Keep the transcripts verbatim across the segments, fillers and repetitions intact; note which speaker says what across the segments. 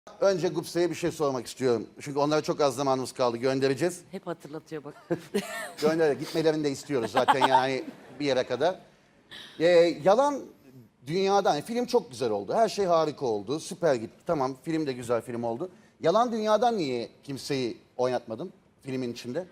Speaker 1: Önce Gupse'ye bir şey sormak istiyorum. Çünkü onlara çok az zamanımız kaldı. Göndereceğiz.
Speaker 2: Hep hatırlatıyor bak.
Speaker 1: Gönder, gitmelerini de istiyoruz zaten yani bir yere kadar. Ee, yalan dünyadan, yani film çok güzel oldu. Her şey harika oldu. Süper gitti. Tamam, film de güzel film oldu. Yalan dünyadan niye kimseyi oynatmadım filmin içinde?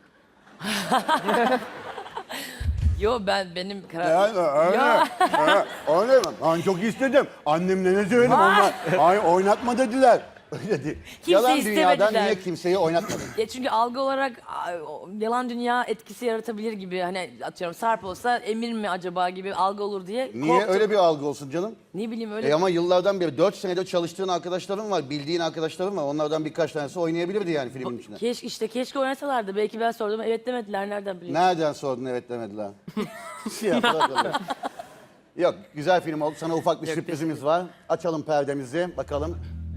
Speaker 2: Yo ben benim karar...
Speaker 1: Yani öyle.
Speaker 2: Ya.
Speaker 1: Öyle mi? Ben çok istedim. Annemle ne söyledim onlar. Ay oynatma dediler. Öyle değil. Yalan dünyadan
Speaker 2: istemediler.
Speaker 1: niye kimseyi oynatmadın?
Speaker 2: Ya çünkü algı olarak a, o, yalan dünya etkisi yaratabilir gibi, hani atıyorum Sarp olsa Emir mi acaba gibi algı olur diye
Speaker 1: Niye
Speaker 2: korktum.
Speaker 1: öyle bir algı olsun canım?
Speaker 2: Ne bileyim öyle.
Speaker 1: E ama yıllardan beri dört senedir çalıştığın arkadaşların var, bildiğin arkadaşların var. Onlardan birkaç tanesi oynayabilirdi yani filmin içinde.
Speaker 2: Keşke işte keşke oynasalardı. Belki ben sordum evet demediler, nereden bileyim.
Speaker 1: Nereden sordun evet demediler. Ya, bırak onu. Yok, güzel film oldu. Sana ufak bir sürprizimiz var. Açalım perdemizi, bakalım.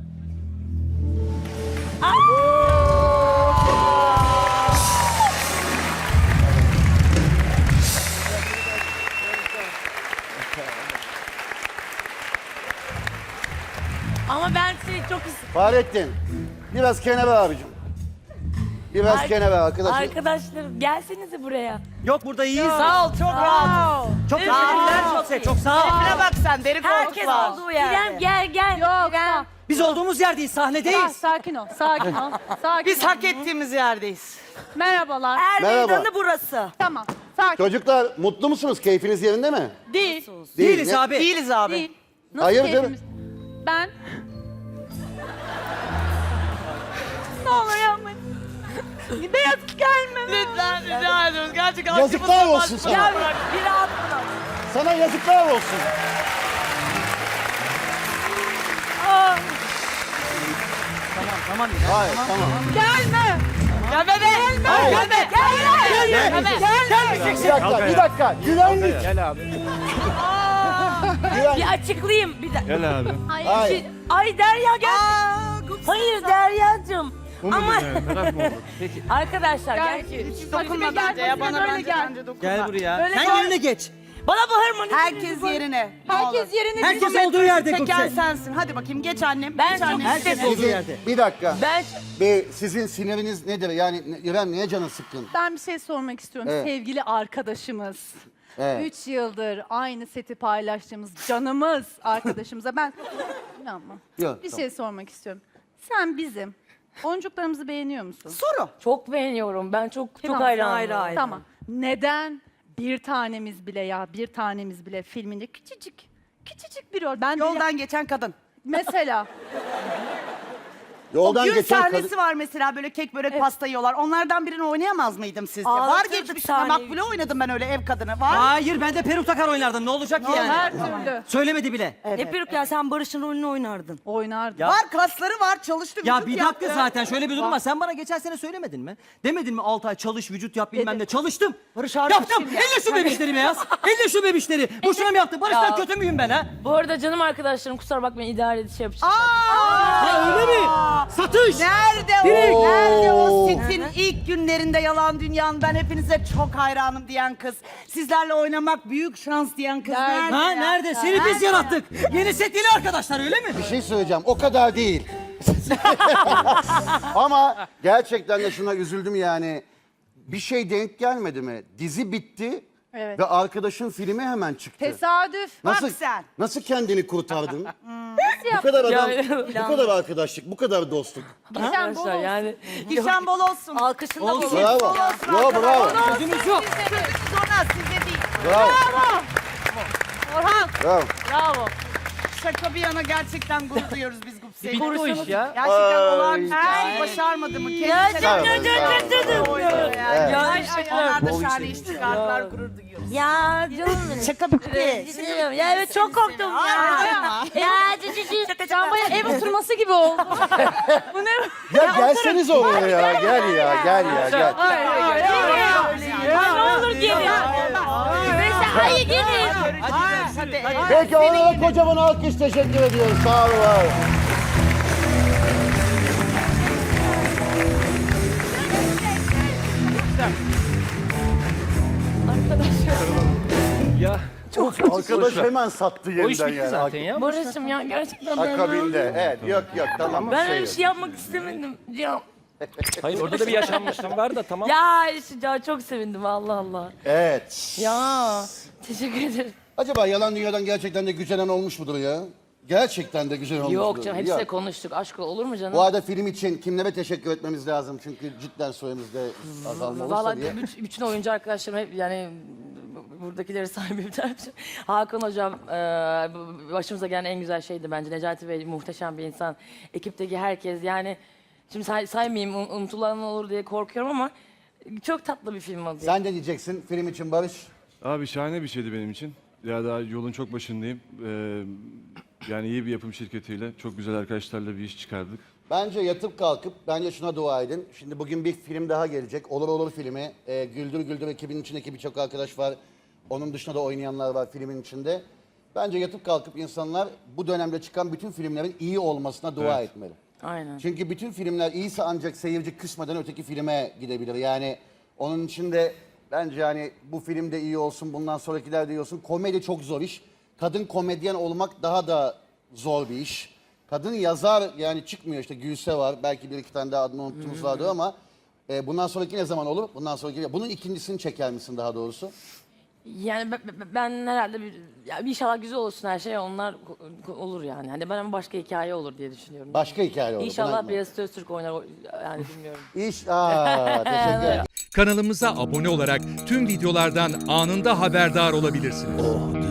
Speaker 2: Ama ben seni çok istedim.
Speaker 1: Fahrettin, biraz kenara abicim. Biraz
Speaker 2: Ar-
Speaker 1: kenara arkadaşım.
Speaker 2: Arkadaşlarım gelsenize buraya.
Speaker 3: Yok burada iyiyiz.
Speaker 4: Sağ ol, çok rahat.
Speaker 3: Çok
Speaker 2: Evet.
Speaker 3: teşekkürler.
Speaker 2: Aa,
Speaker 3: Çok, se- çok sağ ol.
Speaker 4: Şuna bak sen, deri
Speaker 2: Herkes
Speaker 4: koltuk var.
Speaker 2: olduğu yerde. İrem gel gel.
Speaker 5: Yok,
Speaker 2: İrem.
Speaker 3: Biz olduğumuz yerdeyiz, sahnedeyiz.
Speaker 5: sakin ol, sakin ol. Sakin
Speaker 4: Biz
Speaker 5: ol.
Speaker 4: hak ettiğimiz yerdeyiz.
Speaker 5: Merhabalar.
Speaker 4: Er
Speaker 1: Merhaba.
Speaker 4: meydanı burası.
Speaker 5: Tamam, sakin.
Speaker 1: Çocuklar mutlu musunuz? Keyfiniz yerinde mi?
Speaker 5: Değil,
Speaker 3: Değiliz
Speaker 1: ne-
Speaker 3: abi.
Speaker 4: Değiliz abi.
Speaker 5: değil. Nasıl
Speaker 1: Hayırdır?
Speaker 5: keyfimiz? Ben... Ne olur yapmayın. Beyaz gelme.
Speaker 4: Lütfen rica ediyoruz. Gerçekten
Speaker 1: Yazıklar
Speaker 4: aklımızdan
Speaker 1: olsun
Speaker 4: başka-
Speaker 1: sana.
Speaker 4: Gel bırak, bir rahat bırak.
Speaker 1: Sana yazıklar olsun.
Speaker 3: Tamam, tamam. ya.
Speaker 1: Hayır, tamam.
Speaker 5: Gelme.
Speaker 4: Gelme be.
Speaker 1: Hayır.
Speaker 4: Gelme. Gelme. Gelme.
Speaker 1: Bir dakika, bir dakika. Güvenlik.
Speaker 3: Gel abi.
Speaker 1: Güvenlik.
Speaker 2: Bir açıklayayım bir dakika.
Speaker 3: Gel abi.
Speaker 1: Hayır.
Speaker 2: Ay Derya gel. Hayır Derya'cığım. Ama
Speaker 3: Merak mı oldu? Peki.
Speaker 2: arkadaşlar
Speaker 5: Gel.
Speaker 2: gel.
Speaker 4: Dokunma
Speaker 5: Hadi be,
Speaker 4: bence
Speaker 5: gel,
Speaker 4: ya. Bana
Speaker 5: böyle
Speaker 4: bence
Speaker 5: gel.
Speaker 4: bence dokunma.
Speaker 3: Gel buraya.
Speaker 5: Böyle
Speaker 3: Sen
Speaker 5: gel.
Speaker 3: yerine geç.
Speaker 2: Bana bağırma. ne
Speaker 4: Herkes
Speaker 2: diyorsun?
Speaker 4: yerine. Ne olur.
Speaker 5: Herkes yerine
Speaker 3: Herkes
Speaker 5: düşsün.
Speaker 3: olduğu yerde
Speaker 4: Çeken
Speaker 3: Gupse.
Speaker 4: sensin. Hadi bakayım geç annem.
Speaker 2: Ben
Speaker 4: geç
Speaker 2: çok
Speaker 4: annem.
Speaker 3: Herkes
Speaker 2: istedim.
Speaker 3: olduğu yerde.
Speaker 1: Bir dakika.
Speaker 2: Ben
Speaker 1: Bir, sizin siniriniz nedir? Yani ne- İrem niye canın sıkkın?
Speaker 5: Ben bir şey sormak istiyorum.
Speaker 1: Evet.
Speaker 5: Sevgili arkadaşımız.
Speaker 1: Evet.
Speaker 5: Üç yıldır aynı seti paylaştığımız canımız arkadaşımıza ben... İnanma.
Speaker 1: Yok,
Speaker 5: bir
Speaker 1: tamam.
Speaker 5: şey sormak istiyorum. Sen bizim oyuncuklarımızı beğeniyor musun?
Speaker 4: Soru.
Speaker 2: çok beğeniyorum. Ben çok çok
Speaker 5: Tamam,
Speaker 2: hayranım.
Speaker 4: ayrı ayrı.
Speaker 5: Tamam. Neden bir tanemiz bile ya bir tanemiz bile filminde küçücük küçücük bir rol. Ben bile-
Speaker 4: Yoldan geçen kadın.
Speaker 5: mesela
Speaker 1: Yoldan
Speaker 4: o gün
Speaker 1: geçen
Speaker 4: sahnesi
Speaker 1: kadın...
Speaker 4: var mesela, böyle kek börek pasta yiyorlar. Onlardan birini oynayamaz mıydım sizce? Var
Speaker 2: Ağlatırdık
Speaker 4: geçmişte.
Speaker 2: sahneyi.
Speaker 4: Makbule oynadım ben öyle ev kadını. Var.
Speaker 3: Hayır, ben de peruk takar oynardım. Ne olacak ki yani?
Speaker 5: her türlü
Speaker 3: Söylemedi bile.
Speaker 2: Ne peruk ya, sen Barış'ın rolünü oynardın.
Speaker 5: oynardı.
Speaker 3: Ya-
Speaker 4: Var, kasları var, çalıştı,
Speaker 3: Ya
Speaker 4: vücut
Speaker 3: bir dakika
Speaker 4: yaptı.
Speaker 3: zaten şöyle bir durum var. Sen bana geçen sene söylemedin mi? Demedin mi altı ay çalış, vücut yap bilmem ne. Çalıştım.
Speaker 4: Barış Arduç
Speaker 3: Yaptım.
Speaker 4: kim ya?
Speaker 3: Elle şu bebişleri beyaz. Elle şu bebişleri. Boşuna mı yaptın? Barış'tan
Speaker 2: Ya.
Speaker 3: kötü müyüm ben ha?
Speaker 2: Bu arada canım arkadaşlarım kusura bakmayın, idare edip şey yapacağım.
Speaker 4: Aa!
Speaker 3: Ha öyle mi? Satış.
Speaker 4: Nerede o?
Speaker 3: Direkt.
Speaker 4: Nerede o setin ilk günlerinde yalan dünyanın ben hepinize çok hayranım diyen kız. Sizlerle oynamak büyük şans diyen kız.
Speaker 5: Nerede?
Speaker 4: Nerede?
Speaker 3: Ha
Speaker 4: ya?
Speaker 3: nerede? Seni biz yarattık. Yeni set yeni arkadaşlar öyle mi?
Speaker 1: Bir şey söyleyeceğim. O kadar değil. Ama gerçekten de şuna üzüldüm yani. Bir şey denk gelmedi mi? Dizi bitti
Speaker 5: Evet.
Speaker 1: ve arkadaşın filmi hemen çıktı.
Speaker 5: Tesadüf.
Speaker 1: Nasıl,
Speaker 4: Bak sen.
Speaker 1: nasıl kendini kurtardın?
Speaker 5: Nasıl
Speaker 1: bu kadar adam,
Speaker 2: Ya-
Speaker 1: bu kadar arkadaşlık, bu kadar dostluk.
Speaker 5: Geçen bol
Speaker 2: Arkadaşlar
Speaker 5: olsun.
Speaker 2: yani
Speaker 4: Gişen bol olsun.
Speaker 2: alkışın da
Speaker 3: Olsun.
Speaker 2: bol.
Speaker 1: Bravo. Yo, bravo.
Speaker 3: Gözümüz yok.
Speaker 4: Sonra size değil.
Speaker 1: Bravo.
Speaker 5: Orhan.
Speaker 1: Bravo.
Speaker 5: Bravo.
Speaker 4: Şaka bir yana gerçekten gurur duyuyoruz biz Gupse'yi.
Speaker 3: Bitti o iş ya.
Speaker 4: Gerçekten
Speaker 1: Ay.
Speaker 4: olağanüstü bir şey başarmadı mı?
Speaker 2: Ya
Speaker 4: Kendisi
Speaker 2: canım,
Speaker 1: Bravo,
Speaker 2: canım,
Speaker 1: bravo.
Speaker 2: canım.
Speaker 4: yani.
Speaker 2: Ya
Speaker 4: Ay,
Speaker 2: işte
Speaker 4: onlar da
Speaker 1: bol
Speaker 4: şahane
Speaker 1: işlemiş.
Speaker 4: iş çıkardılar, gurur duyuyoruz.
Speaker 2: Ya canım benim.
Speaker 4: Şaka bitti.
Speaker 2: Düşünüyorum. Ya evet çok korktum ya. Ya cicicik.
Speaker 5: Can bayağı ev oturması gibi oldu. Bu ne?
Speaker 1: Ya gelseniz oraya ya. Gel ya, gel ya, gel.
Speaker 2: Ya ne olur gelin. Mesela hayır gelin.
Speaker 4: Hadi.
Speaker 1: Peki onlara kocaman alkış teşekkür ediyoruz. Sağ olun. var olun.
Speaker 3: Ya.
Speaker 1: Çok Arkadaş hemen sattı
Speaker 6: O iş
Speaker 1: yeniden
Speaker 6: bitti
Speaker 1: yani.
Speaker 6: zaten ya.
Speaker 2: Barış'ım ya gerçekten ben
Speaker 1: Akabinde. Evet yok yok tamam.
Speaker 2: Ben
Speaker 1: şey
Speaker 2: öyle bir
Speaker 1: yok.
Speaker 2: şey yapmak istemedim. Ya,
Speaker 6: Hayır orada da bir yaşanmışlık var da tamam.
Speaker 2: ya, işte, ya çok sevindim Allah Allah.
Speaker 1: Evet.
Speaker 2: Ya teşekkür ederim.
Speaker 1: Acaba Yalan Dünya'dan gerçekten de güzelen olmuş mudur ya? Gerçekten de güzel olmuş
Speaker 2: Yok
Speaker 1: mudur?
Speaker 2: canım hepsiyle
Speaker 1: Yok.
Speaker 2: konuştuk. Aşk olur mu canım?
Speaker 1: Bu arada film için kimlere teşekkür etmemiz lazım? Çünkü cidden süremizde azalma olursa
Speaker 2: Valla
Speaker 1: diye.
Speaker 2: bütün, bütün oyuncu arkadaşlarım hep yani buradakileri sahibi Hakan hocam e, başımıza gelen en güzel şeydi bence. Necati Bey muhteşem bir insan. Ekipteki herkes yani şimdi say, saymayayım un- unutulan olur diye korkuyorum ama çok tatlı bir film oldu.
Speaker 1: Sen de diyeceksin film için Barış.
Speaker 7: Abi şahane bir şeydi benim için. Ya daha yolun çok başındayım. Ee, yani iyi bir yapım şirketiyle çok güzel arkadaşlarla bir iş çıkardık.
Speaker 1: Bence yatıp kalkıp bence şuna dua edin. Şimdi bugün bir film daha gelecek. Olur Olur filmi. Ee, Güldür Güldür ekibinin içindeki birçok arkadaş var. Onun dışında da oynayanlar var filmin içinde. Bence yatıp kalkıp insanlar bu dönemde çıkan bütün filmlerin iyi olmasına dua
Speaker 7: Evet.
Speaker 1: etmeli.
Speaker 2: Aynen.
Speaker 1: Çünkü bütün filmler iyiyse ancak seyirci küsmeden öteki filme gidebilir. Yani onun için de bence hani bu film de iyi olsun, bundan sonrakiler de iyi olsun. Komedi çok zor iş. Kadın komedyen olmak daha da zor bir iş. Kadın yazar yani çıkmıyor işte Gülse var. Belki bir iki tane daha adını unuttuğumuz vardır ama e, bundan sonraki ne zaman olur? Bundan sonraki bunun ikincisini çeker misin daha doğrusu?
Speaker 2: Yani ben, ben- ben herhalde bir, ya inşallah güzel olsun her şey onlar ko- ko- olur yani. Hani ben ama başka hikaye olur diye düşünüyorum.
Speaker 1: Başka hikaye olur.
Speaker 2: İnşallah
Speaker 1: Buna-
Speaker 2: Beyazıt Öztürk oynar o- yani bilmiyorum.
Speaker 1: İş, aa, teşekkür ederim.
Speaker 8: Kanalımıza abone olarak tüm videolardan anında haberdar olabilirsiniz.